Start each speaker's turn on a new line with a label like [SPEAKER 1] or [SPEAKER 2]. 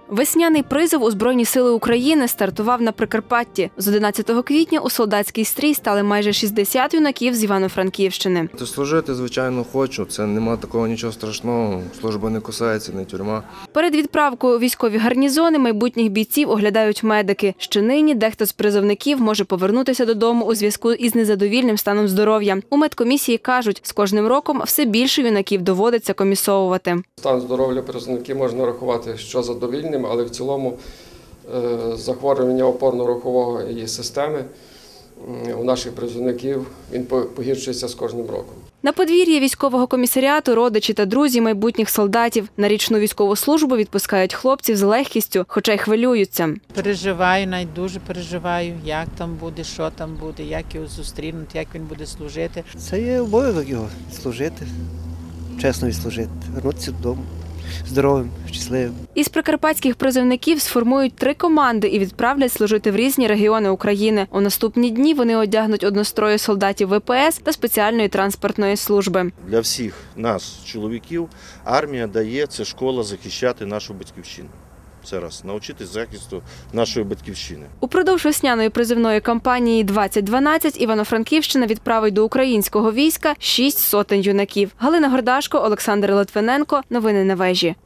[SPEAKER 1] Весняний призов у Збройні сили України стартував на Прикарпатті. З 11 квітня у солдатський стрій стали майже 60 юнаків з Івано-Франківщини.
[SPEAKER 2] Служити, звичайно, хочу. Це нема такого нічого страшного. Служба не кусається, не тюрма.
[SPEAKER 1] Перед відправкою у військові гарнізони майбутніх бійців оглядають медики. Ще нині дехто з призовників може повернутися додому у зв'язку із незадовільним станом здоров'я. У медкомісії кажуть, з кожним роком все більше юнаків доводиться комісовувати.
[SPEAKER 3] Стан здоров'я призовників можна рахувати, що задовільним, але в цілому захворювання опорно-рухової системи у наших призовників він погіршується з кожним роком.
[SPEAKER 1] На подвір'ї військового комісаріату родичі та друзі майбутніх солдатів. На річну військову службу відпускають хлопців з легкістю, хоча й хвилюються.
[SPEAKER 4] Переживаю, навіть дуже переживаю, як там буде, що там буде, як його зустрінуть, як він буде служити.
[SPEAKER 5] Це є обов'язок його служити, чесно відслужити, вернутися додому. Здоровим, щасливим.
[SPEAKER 1] Із прикарпатських призовників сформують 3 команди і відправлять служити в різні регіони України. У наступні дні вони одягнуть однострої солдатів ВПС та спеціальної транспортної служби.
[SPEAKER 6] Для всіх нас, чоловіків, армія дає, це школа захищати нашу батьківщину. Це раз, навчитись захисту нашої батьківщини. Упродовж
[SPEAKER 1] весняної призивної кампанії 2012 Івано-Франківщина відправить до українського війська 6 сотень юнаків. Галина Гордашко, Олександр Литвиненко. Новини на вежі.